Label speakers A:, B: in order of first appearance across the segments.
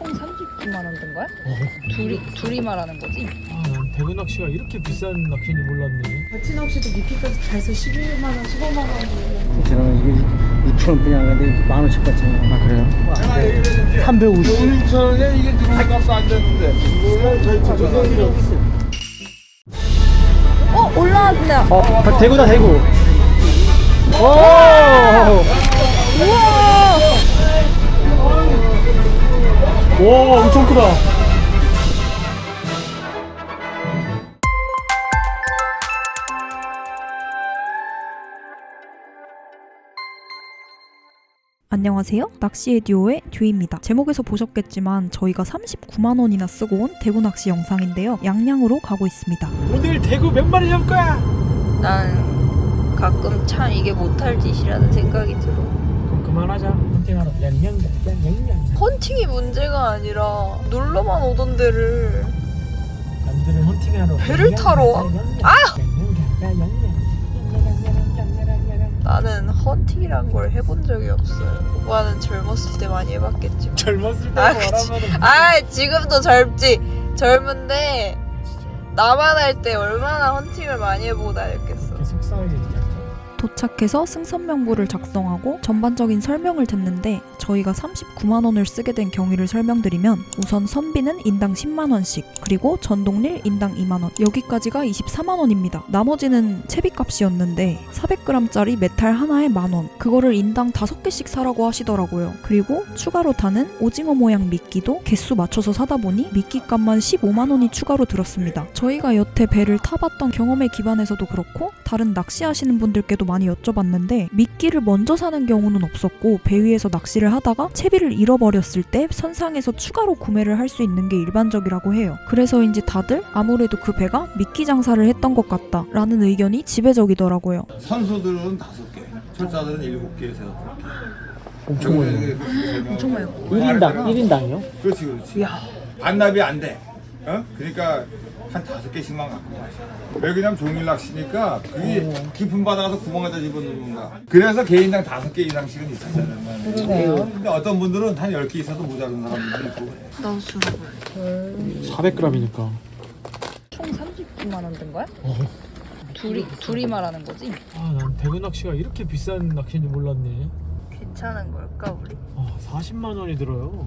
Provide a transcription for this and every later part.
A: 총 39만 원 든 거야? 둘이 말하는 거지?
B: 난 대구 낚시가 이렇게 비싼 낚시인지 몰랐네.
C: 같이 낚시도 미끼까지 다 해서 11만 원, 15만 원.
D: 저는 이게 6,000원뿐이 아닌데 10,000원씩 받잖아요. 아 그래요? 350.
E: 6,000원에 이게 들어온 값도 안 되는데 이거는 저희 가져가기로
A: 올라왔다.
B: 대구다 대구. 오!
A: 우와!
B: 와 엄청 크다.
F: 안녕하세요. 낚시의 듀오의 듀입니다. 제목에서 보셨겠지만 저희가 39만 원이나 쓰고 온 대구 낚시 영상인데요. 양양으로 가고 있습니다.
B: 오늘 대구 몇 마리 잡을 거야?
A: 난 가끔 참 이게 못할 짓이라는 생각이 들어.
B: 그럼 그만하자. 헌팅하러 양양.
A: 헌팅이 문제가 아니라 놀러만 오던 데를
B: 남들은 헌팅하러
A: 배를 타러 와? 나는 헌팅이란 걸 해본 적이 없어요. 오빠는 젊었을 때 많이 해봤겠지만.
B: 젊었을 때
A: 그치.
B: 말하면은
A: 지금도 젊지. 젊은데 나만 할 때 얼마나 헌팅을 많이 해보고 다녔겠어.
B: 이렇게 속상하게 얘기하죠.
F: 도착해서 승선 명부를 작성하고 전반적인 설명을 듣는데 저희가 39만 원을 쓰게 된 경위를 설명드리면 우선 선비는 인당 10만 원씩 그리고 전동릴 인당 2만 원 여기까지가 24만 원입니다. 나머지는 채비값이었는데 400g짜리 메탈 하나에 만 원 그거를 인당 5개씩 사라고 하시더라고요. 그리고 추가로 타는 오징어 모양 미끼도 개수 맞춰서 사다 보니 미끼값만 15만 원이 추가로 들었습니다. 저희가 여태 배를 타봤던 경험에 기반해서도 그렇고 다른 낚시하시는 분들께도 많이 여쭤봤는데 미끼를 먼저 사는 경우는 없었고 배 위에서 낚시를 하다가 채비를 잃어버렸을 때 선상에서 추가로 구매를 할 수 있는 게 일반적이라고 해요. 그래서인지 다들 아무래도 그 배가 미끼 장사를 했던 것 같다 라는 의견이 지배적이더라고요.
E: 선수들은 5개, 철자들은 7개에서 8개.
B: 엄청 많이.
A: 엄청 많이
B: 1인당이요?
E: 그렇지 그렇지. 반납이 안 돼. 그러니까 한 5개씩만 갖고 가셔. 왜 그냥 종일 낚시니까 그게 깊은 바다가서 구멍에다 집어넣는 건가. 그래서 개인당 5개 이상씩은 있었잖아요. 그러네요. 근데 어떤 분들은 한 10개 있어도 모자른 사람들도 있고 그래.
A: 나도 들어볼래.
B: 400g이니까.
A: 총 39만 원 든 거야? 둘이 말하는 거지?
B: 난 대구 낚시가 이렇게 비싼 낚시인지 몰랐네.
A: 괜찮은 걸까 우리?
B: 40만 원이 들어요.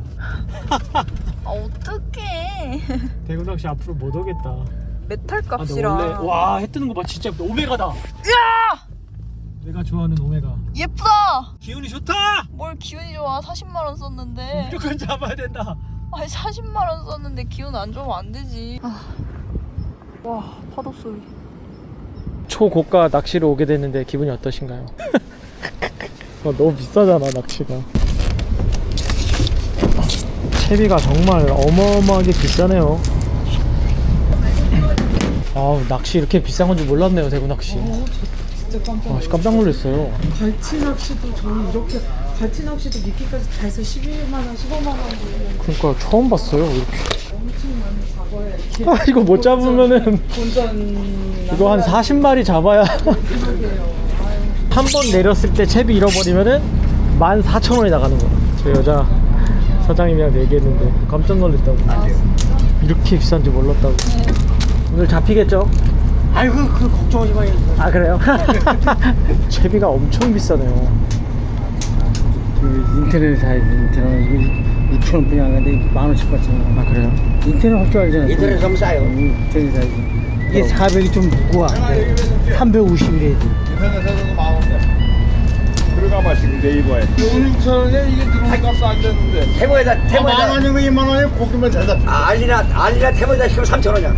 A: 어떡해.
B: 대구 낚시 앞으로 못 오겠다.
A: 메탈
B: 근데
A: 값이랑
B: 원래 해 뜨는 거 봐. 진짜 오메가다.
A: 야!
B: 내가 좋아하는 오메가.
A: 예쁘다!
B: 기운이 좋다.
A: 뭘 기운이 좋아. 40만 원 썼는데.
B: 무조건 잡아야 된다.
A: 아니 40만 원 썼는데 기운 안 좋으면 안 되지. 와 파도 소리.
B: 초고가 낚시로 오게 됐는데 기분이 어떠신가요? 너무 비싸잖아 낚시가. 채비가 정말 어마어마하게 비싸네요. 낚시 이렇게 비싼 건지 몰랐네요. 대구 낚시.
C: 진짜
B: 깜짝 놀랐어요.
C: 갈치 낚시도 저는 이렇게 갈치 낚시도 미끼까지 다 해서 11만 원, 15만 원.
B: 그러니까 처음 봤어요 이렇게.
C: 엄청 많이 잡아야 이렇게.
B: 이거 못 잡으면은
C: 본전
B: 이거 한 40마리 잡아야 한 번 내렸을 때 채비 잃어버리면은 14,000원이 나가는 거야. 저 여자 사장님이랑 얘기했는데 깜짝 놀랐다고. 이렇게 비싼지 몰랐다고. 오늘 잡히겠죠?
D: 아이고 그 걱정하지 마요.
B: 아 그래요? 채비가 엄청 비싸네요.
D: 인터넷 사야지. 인터넷 6,000원뿐이 아닌데 10,000원씩 받잖아.
B: 아 그래요?
D: 인터넷 할 줄 알잖아.
E: 인터넷 하면 싸요.
D: 인터넷 사야지. 이게 400이 좀 무거워. 350이래.
E: 인터넷에서도 마음대 들어가 마시고 네이버에 6,000원에 이게 들어온 값도 안 되는데
D: 태모에다
E: 만 원이고 2만 원에 고기만 잘 잡혀.
D: 알리나 태모에다 시면 3,000원이야.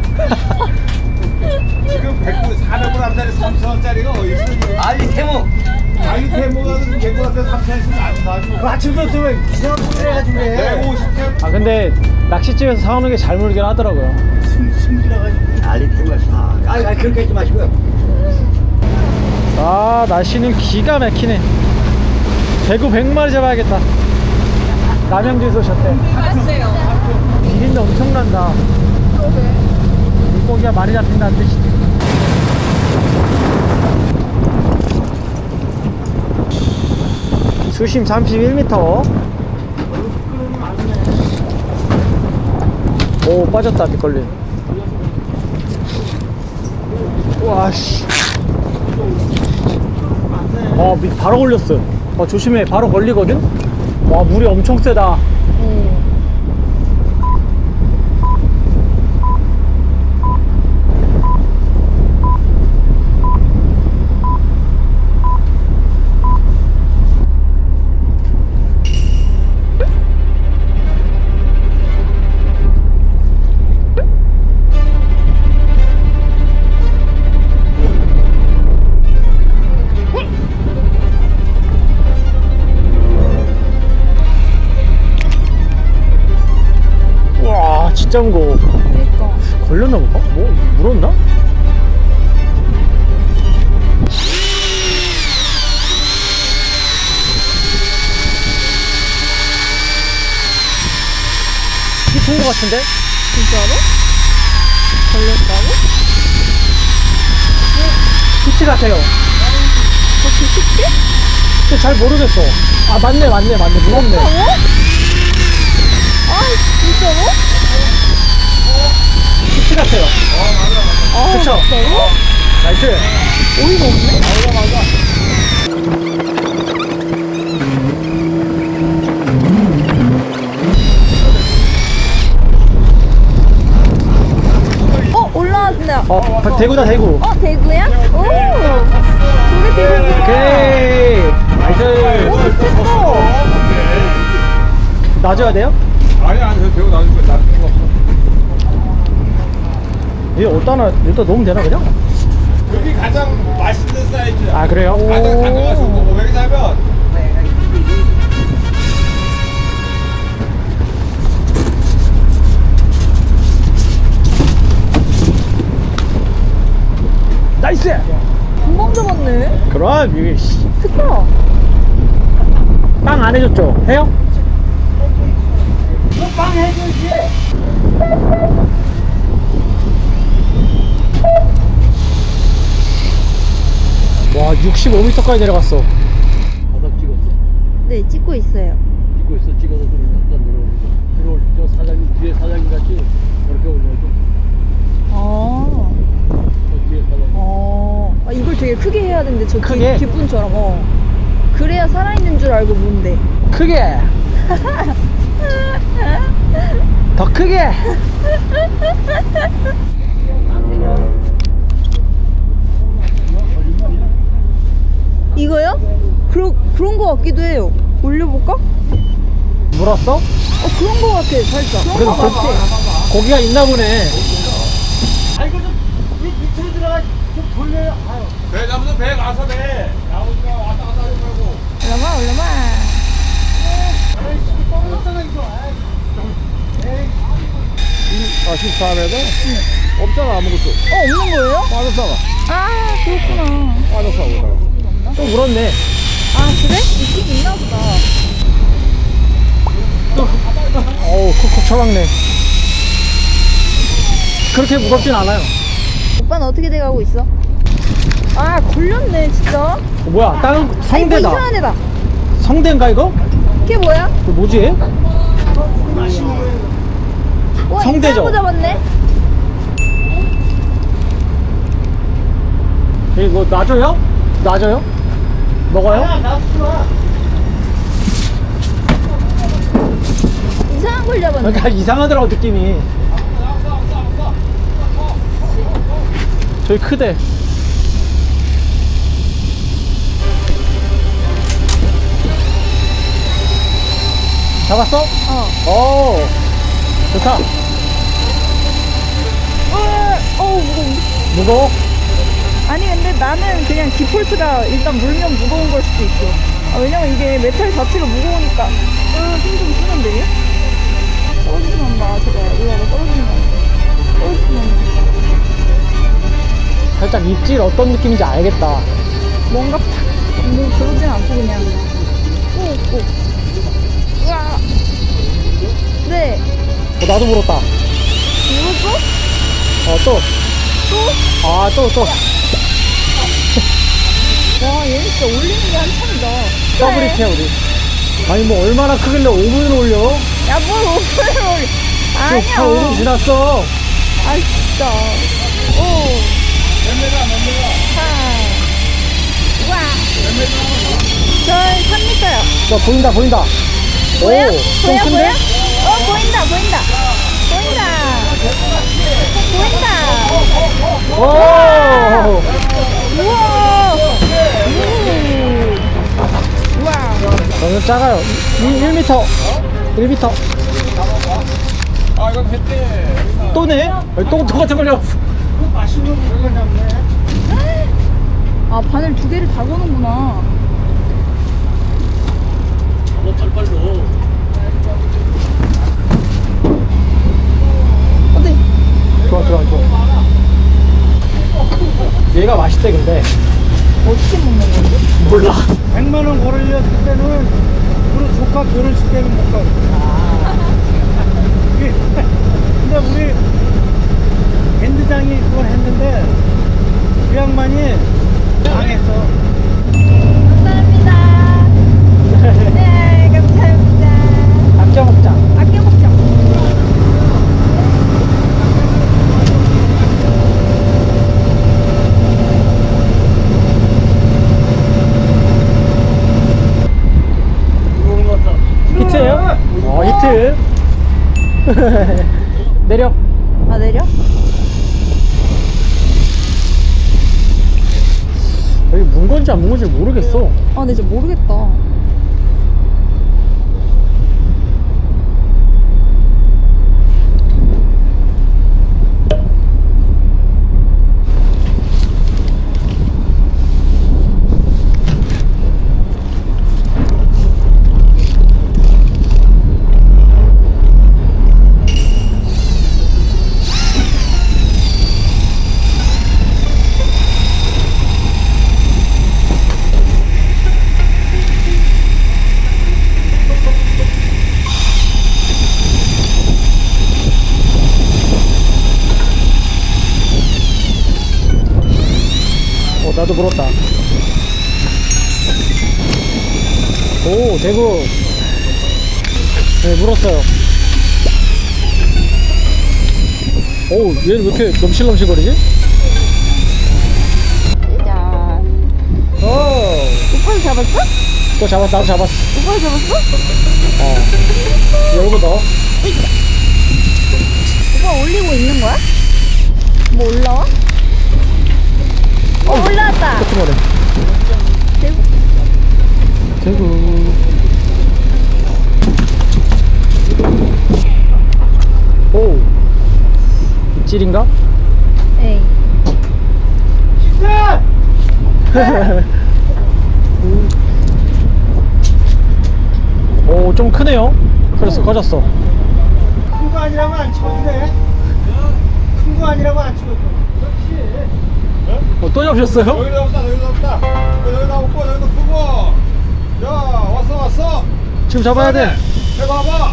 E: 지금 400g짜리 3,000원짜리가 어디 있어?
D: 알리 태모.
E: 알리 태모가 100g짜리 3,000원씩 안 사죠.
D: 그 아침부터 들으면 이상한 소리 해가지고 그래.
E: 150개.
B: 근데 낚시집에서 사오는 게 잘 물긴 하더라고요.
D: 숨기라가지고. 알리 태모가 그렇게 하지 마시고요.
B: 날씨는 기가 막히네. 대구 100마리 잡아야겠다. 남양주에서 오셨대. 비린내 엄청난다. 물고기가 많이 잡힌다는 뜻이지. 수심 31m. 오 빠졌다 뒷걸림. 와씨. 바로 걸렸어. 조심해. 바로 걸리거든. 와 물이 엄청 세다. 와 진짜 무거워.
A: 그러니까.
B: 걸렸나 보다? 뭐 물었나? 깊은 거 같은데?
A: 진짜로? 걸렸다고?
B: 피치 같아요.
A: 그렇게 쉽게?
B: 근데 잘 모르겠어. 맞네 무겁네.
A: 아 진짜로?
B: 피치 같아요.
A: 아
B: 그쵸?
A: 진짜로?
B: 나이스.
A: 어이가 없네? 올라왔네.
B: 대구다 대구.
A: 대구야? 오! 저게 대구구나.
B: 오케이. 나이스.
A: 오, 됐어.
B: 놔줘야 돼요?
E: 아니 저 배우 나올 거야. 나 필요 없어.
B: 얘 일단 넣으면 되나 그냥?
E: 여기 가장 맛있는 사이즈.
B: 아 그래요?
E: 가장 단가가 좋은 거. 왜냐면
B: 나이스.
A: 금방 잡았네.
B: 그럼 이게
A: 크다.
B: 빵 안 해줬죠? 해요? 와 65m까지 내려갔어.
D: 바닥 찍었어?
A: 네, 찍고 있어요.
D: 찍고 있어. 찍어서 좀 일단 내려오고. 저 사장님 뒤에 사장님 같이 이렇게 올려줘.
A: 아,
D: 저 뒤에 사장님.
A: 이걸 되게 크게 해야 되는데 저
B: 크게?
A: 뒷분처럼. 그래야 살아있는 줄 알고 뭔데.
B: 크게. 더 크게.
A: 이거요? 그런 거 같기도 해요. 올려볼까?
B: 물었어?
A: 그런 거 같아, 살짝. 그런
B: 그래도
A: 거 같아.
B: 고기가 있나 보네.
E: 배 잡으면 배 가서 배 나오니까 왔다 갔다 하지 말고.
A: 올려봐.
B: 아 14m? 없잖아 아무것도.
A: 없는 거예요?
B: 빠졌어.
A: 아, 그렇구나.
B: 빠졌어. 또 물었네.
A: 아, 그래? 있긴 있나 보다.
B: 어우 콕콕 쳐박네. 그렇게 무겁진 않아요.
A: 오빠는 어떻게 돼가고 있어? 아, 걸렸네, 진짜.
B: 뭐야 다른
A: 아니, 뭐
B: 성대다.
A: 이상한 애다.
B: 성대인가 이거?
A: 그게 뭐야?
B: 그 뭐지?
A: 와,
B: 성대죠?
A: 이상한 거 잡았네?
B: 이거 놔줘요? 놔줘요? 먹어요?
A: 이상한 걸 잡았네.
B: 그러니까 이상하더라고 느낌이. 저기 크대. 잡았어? 오, 좋다.
A: 무거워.
B: 무거워?
A: 아니, 근데 나는 그냥 디폴트가 일단 물면 무거운 걸 수도 있어. 왜냐면 이게 메탈 자체가 무거우니까. 힘 좀 쓰는데? 떨어지지만 마, 제발. 올라가, 떨어지지만.
B: 살짝 입질 어떤 느낌인지 알겠다.
A: 뭔가 뭐 그러진 않고 그냥 꾹꾹. 으아. 네.
B: 나도 물었다.
A: 물었어?
B: 또.
A: 또?
B: 아, 또.
A: 와, 얘는 진짜 올리는 게 한참이다.
B: 더블 히트야 우리. 아니 뭐 얼마나 크길래 5분을 올려?
A: 야, 뭘 오픈을 올려.
B: 지금 다 5분 지났어.
A: 아 진짜. 오. 와. 저 3m요.
B: 자, 보인다, 보인다.
A: 보여?
B: 오, 좀
A: 보여?
B: 큰데?
A: 보여? 보인다. 보인다.
B: 오!
A: 우와. 우와.
B: 너무 작아요. 1m. 1m.
E: 아 이건 했대.
B: 또네? 또 똑같은 걸 잡았어.
A: 아 바늘 2개를 다 거는구나. 어때?
B: 좋아. 얘가 맛있대, 근데.
A: 어떻게 먹는 건지?
B: 몰라.
D: 100만 원 걸었을 때는 우리 조카 결혼식 때는 못 가고. 근데 우리 밴드장이 그걸 했는데 그 양반이 당했어.
A: 감사합니다. 네, 감사합니다.
B: 아껴 먹자.
A: 아껴 먹자.
B: 히트예요? 히트. 내려.
A: 아 내려?
B: 여기 문 건지 안 문 건지 모르겠어.
A: 아 근데 진짜 모르겠다.
B: 나도 물었다. 오, 대구. 네, 물었어요. 오, 얘는 왜 이렇게 넘실넘실거리지?
A: 야.
B: 오,
A: 오빠도 잡았어?
B: 또 잡았어. 나도 잡았어.
A: 오빠도 잡았어?
B: 열고 넣어.
A: 오빠 올리고 있는 거야? 뭐 올라와? 올라왔다.
B: 같은 거래.
A: 대구.
B: 대구. 오, 입질인가?
A: 에이.
B: 오, 좀 크네요. 그래서 꺼졌어.
D: 큰 거 아니라고 안 치워도 돼? 큰 거 아니라고 안 치워도 돼?
B: 또 잡으셨어요?
E: 여기다 없다. 여기다 없고 여기다 크고. 야 왔어.
B: 지금 잡아야 돼.
E: 해봐봐.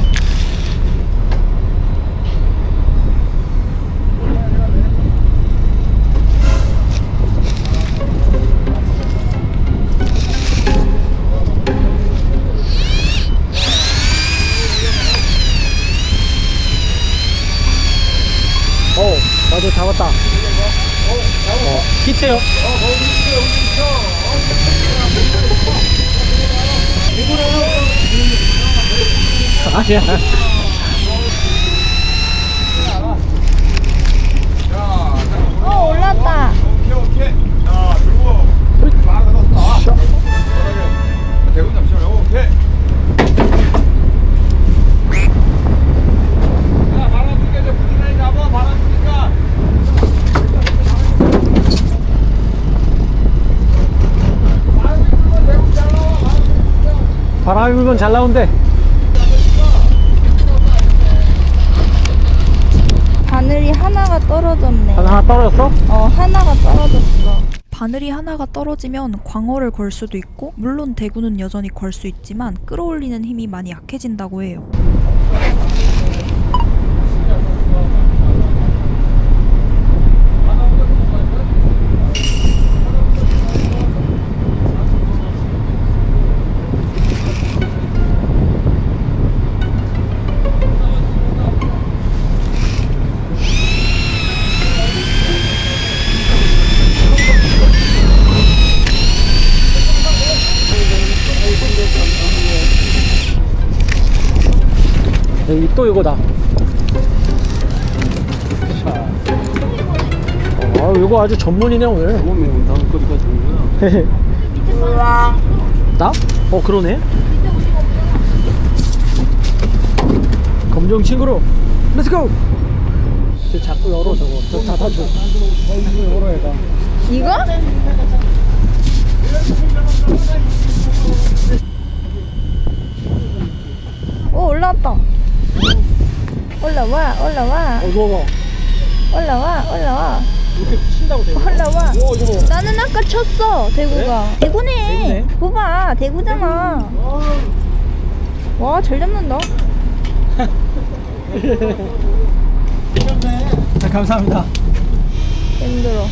B: 나도 잡았다. 히트요. 아니야.
A: 올라왔다.
E: 오케이. 자 들고 바로 넣었다. 대구 잠시만요. 오케이. 야 바람 불게 이제 부지런히 잡아. 바람 부니까.
B: 바람이 불면 잘 나온대.
A: 바늘이 하나가 떨어졌네.
B: 하나 떨어졌어?
A: 하나가 떨어졌어.
F: 바늘이 하나가 떨어지면 광어를 걸 수도 있고, 물론 대구는 여전히 걸 수 있지만 끌어올리는 힘이 많이 약해진다고 해요.
B: 또 이거다. 아, 이거 아주 전문이네 오늘.
D: 너무 매운 다음 거리가 좋은 거야.
B: 나? 그러네. 검정 친구로 렛츠고. 저 자꾸 열어 저거. 저 닫아줘. 이거 열어 얘가.
A: 이거? 오, 올라왔다. 올라와, 올라와,
B: 이거
A: 올라와,
B: 이렇게 친다고 돼.
A: 올라와.
B: 오, 이거 봐.
A: 나는 아까 쳤어, 대구가. 대구네.
B: 대구네.
A: 봐봐, 대구잖아. 와, 잘 잡는다.
B: 네, 감사합니다.
A: 힘들어.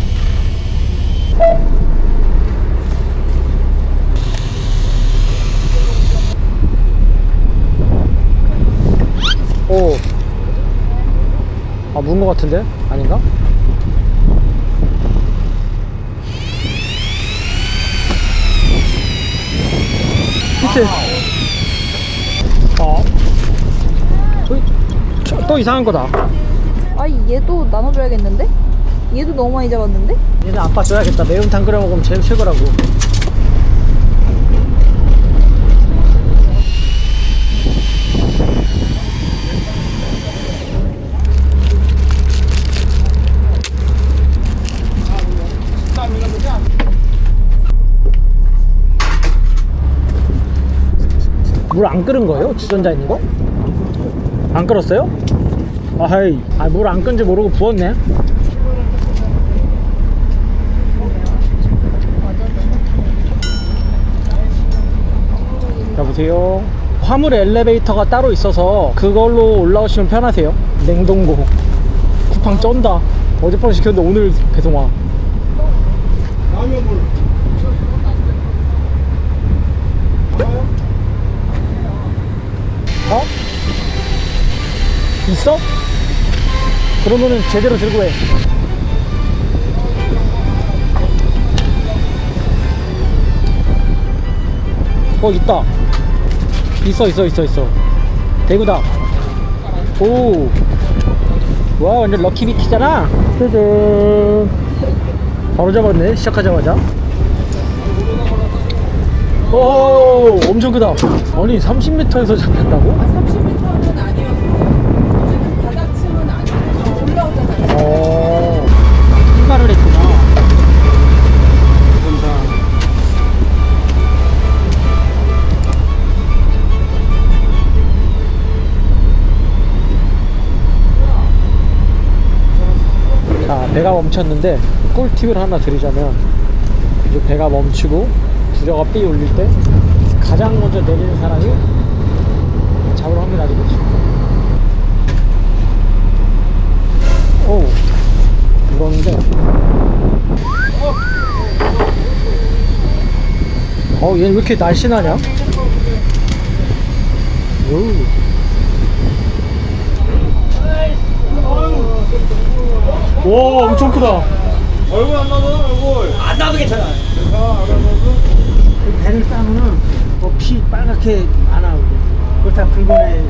B: 오. 아, 문 거 같은데? 아닌가? 히트. 또 이상한 거다.
A: 아니, 얘도 나눠줘야겠는데? 얘도 너무 많이 잡았는데?
B: 얘는 아빠 줘야겠다. 매운탕 끓여 먹으면 제일 최고라고. 물 안 끓은 거예요? 주전자 있는 거? 안 끓었어요? 아이, 물 안 끈지 모르고 부었네. 여보세요? 화물 엘리베이터가 따로 있어서 그걸로 올라오시면 편하세요. 냉동고 쿠팡 쩐다. 어젯밤에 시켰는데 오늘 배송 와. 어? 있어? 그러면은 제대로 들고 해. 있다. 있어. 대구다. 오. 와, 완전 럭키비키잖아. 짜잔. 바로 잡았네, 시작하자마자. 오, 엄청 크다. 아니, 30m에서 잡혔다고?
C: 30m는 아니었어요. 바닥층은 아니고 올라오잖아요.
B: 출발을 했구나. 자, 배가 멈췄는데 꿀팁을 하나 드리자면, 이제 배가 멈추고 부저가 삐 울릴 때 가장 먼저 내리는 사람이 잡을 확률이 아주 높습니다. 오, 물었는데 얘는 왜 이렇게 날씬하냐? 오, 엄청 크다.
E: 얼굴 안 나도 얼굴.
D: 안 나도 괜찮아. 배를 따면은 피 빨갛게 안 나오고. 그걸 다 긁어내.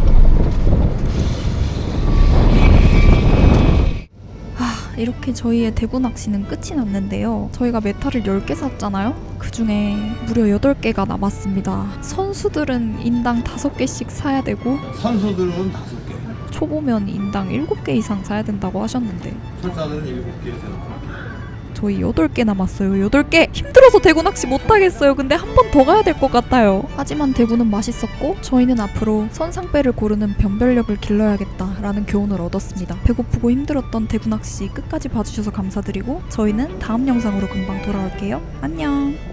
F: 이렇게 저희의 대구 낚시는 끝이 났는데요. 저희가 메탈을 10개 샀잖아요. 그 중에 무려 8개가 남았습니다. 선수들은 인당 5개씩 사야 되고
E: 선수들은 5개.
F: 초보면 인당 7개 이상 사야 된다고 하셨는데
E: 철사들은 7개에서.
F: 저희 8개 남았어요. 8개! 힘들어서 대구 낚시 못하겠어요. 근데 한 번 더 가야 될 것 같아요. 하지만 대구는 맛있었고 저희는 앞으로 선상배를 고르는 변별력을 길러야겠다라는 교훈을 얻었습니다. 배고프고 힘들었던 대구 낚시 끝까지 봐주셔서 감사드리고 저희는 다음 영상으로 금방 돌아올게요. 안녕!